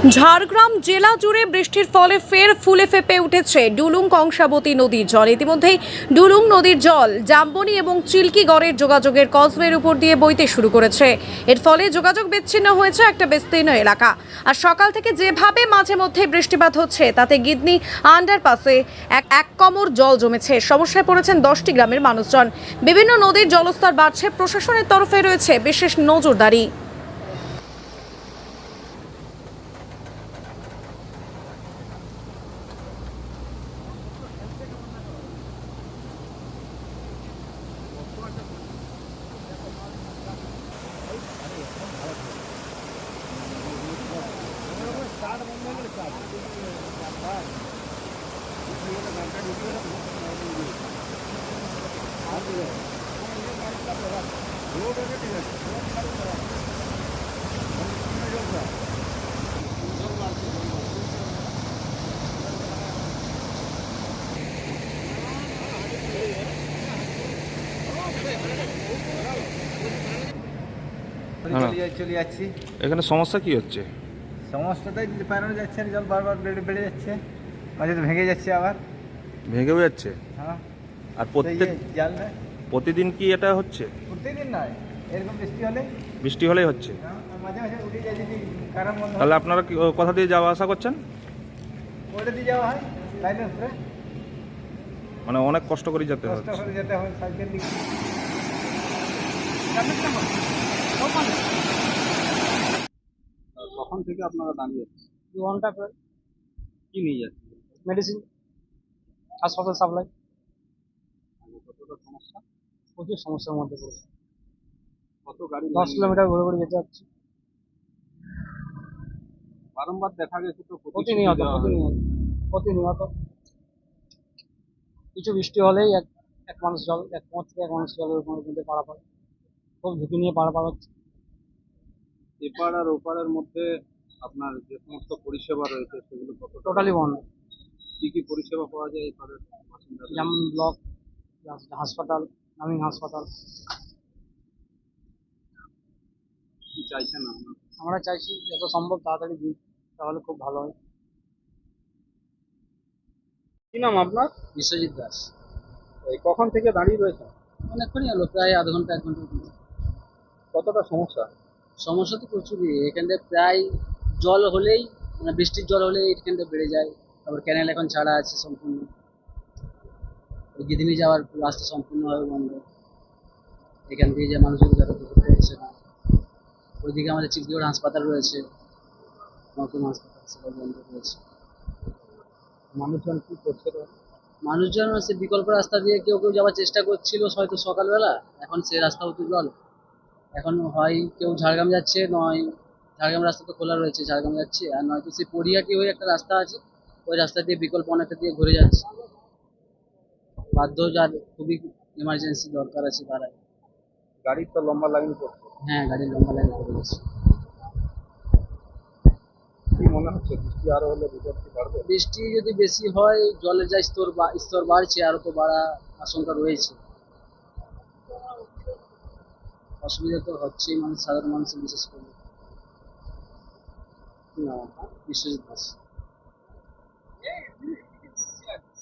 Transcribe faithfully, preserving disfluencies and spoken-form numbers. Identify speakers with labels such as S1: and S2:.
S1: ঝাড়গ্রাম জেলা জুড়ে বৃষ্টির ফলে ফের ফুলে ফেঁপে উঠেছে ডুলুং কংসাবতী নদীর জল। ইতিমধ্যেই ডুলুং নদীর জল জাম্বনি এবং চিল্কিগড়ের যোগাযোগের কজওয়ের উপর দিয়ে বইতে শুরু করেছে। এর ফলে যোগাযোগ বিচ্ছিন্ন হয়েছে একটা বিস্তীর্ণ এলাকা। আর সকাল থেকে যেভাবে মাঝে মধ্যে বৃষ্টিপাত হচ্ছে তাতে গিদনি আন্ডারপাসে এক এক কমর জল জমেছে। সমস্যায় পড়েছেন দশটি গ্রামের মানুষজন। বিভিন্ন নদীর জলস্তর বাড়ছে, প্রশাসনের তরফে রয়েছে বিশেষ নজরদারি।
S2: চলে যাচ্ছি।
S3: এখানে সমস্যা কি হচ্ছে?
S2: সমস্যাটাই পারানো যাচ্ছে না, জল বারবার বেড়ে বেড়ে যাচ্ছে, মাঝে তো ভেঙে যাচ্ছে আবার
S3: ভেঙেও যাচ্ছে।
S2: হ্যাঁ,
S3: আর প্রত্যেক
S2: জাল না
S3: প্রতিদিন কি এটা হচ্ছে?
S2: প্রতিদিন নয়, এরকম বৃষ্টি হলে
S3: বৃষ্টি হলেই হচ্ছে।
S2: হ্যাঁ, মাঝে মাঝে উঠে যায় যদি কারণ বন্ধ হয়।
S3: তাহলে আপনারা কি কোথা দিয়ে যাওয়া আসা করছেন?
S2: ওটা দিয়ে যাওয়া হয় লাইনের উপরে,
S3: মানে অনেক কষ্ট করে যেতে
S2: কষ্ট
S3: হচ্ছে।
S2: করে যেতে হয় সাইকেল দিকে।
S4: কখন থেকে আপনারা দাঁড়িয়ে আছেন?
S5: দু ঘন্টা করে
S4: কি নিয়ে যাচ্ছেন?
S5: মেডিসিন, হাসপাতাল সাপ্লাই।
S4: কতটা সমস্যা?
S5: প্রচুর সমস্যার মধ্যে পড়েছে।
S4: কত গাড়ি
S5: দশ কিলোমিটার ঘুরে ঘুরে যেতে হচ্ছে
S4: বারংবার দেখা গেছে তো
S5: প্রতিনিয়ত প্রতিনিয়ত প্রতিনিয়ত কিছু বৃষ্টি হলেই এক এক মানুষ জল এক কোমর থেকে এক মানুষ জলের মধ্যে পারাপার, খুব ঝুঁকি নিয়ে পারাপার হচ্ছে।
S4: এপার আর ওপারের মধ্যে আপনার যে সমস্ত পরিষেবা রয়েছে সেগুলো কত
S5: টোটালি বন্ধ।
S4: কি কি পরিষেবা পাওয়া যায় এপারের বাসিন্দাদের?
S5: যেমন ব্লক হাসপাতাল, গ্রামীণ হাসপাতাল।
S4: কি চাইছেন আপনার?
S5: আমরা চাইছি যত সম্ভব তাড়াতাড়ি দিন, তাহলে খুব ভালো হয়।
S4: কি নাম আপনার?
S5: বিশ্বজিৎ দাস।
S4: এই কখন থেকে দাঁড়িয়ে রয়েছেন?
S5: অনেকক্ষণই হলো, প্রায় আধ ঘন্টা এক ঘন্টা।
S4: কতটা সমস্যা?
S5: সমস্যা তো প্রচুরই, এখানটায় প্রায় জল হলেই মানে বৃষ্টির জল হলেই এখানটা বেড়ে যায়। তারপর ক্যানেল এখন ছাড়া আছে সম্পূর্ণ, গিদিনি যাওয়ার রাস্তা সম্পূর্ণভাবে বন্ধ। এখান থেকে যে মানুষজন যাতায়াত করতে পারছে না। ওইদিকে আমাদের চিল্কিগড় হাসপাতাল রয়েছে, নতুন হাসপাতাল, সেটা বন্ধ রয়েছে।
S4: মানুষজন কি করছে?
S5: মানুষজন সে বিকল্প রাস্তা দিয়ে কেউ কেউ যাওয়ার চেষ্টা করছিল হয়তো সকালবেলা, এখন সে রাস্তা হতে জল। এখন হয় কেউ ঝাড়গ্রাম যাচ্ছে, নয় ঝাড়গ্রাম রাস্তা তো খোলা রয়েছে, ঝাড়গ্রাম যাচ্ছে, আর নয়তো সেই পরিহাটি হয়ে একটা রাস্তা আছে, ওই রাস্তা দিয়ে বিকল্প অনেকটা দিয়ে ঘুরে যাচ্ছে। বাধ্য যার খুবই এমার্জেন্সি দরকার আছে তারাই।
S4: গাড়ির তো লম্বা লাইন পড়ছে।
S5: হ্যাঁ, গাড়ির লম্বা লাইন পড়ে গেছে।
S4: কি মনে হচ্ছে বৃষ্টি আরো হলে বিপত্তি বাড়বে?
S5: বৃষ্টি যদি বেশি হয়, জলের যা স্তর বা- স্তর বাড়ছে, আরো তো বাড়া আশঙ্কা রয়েছে। অসুবিধা তো হচ্ছেই মানুষ, সাধারণ মানুষের বিশেষ করে।
S4: কি নাম আপনার?
S5: বিশ্বজিৎ দাস।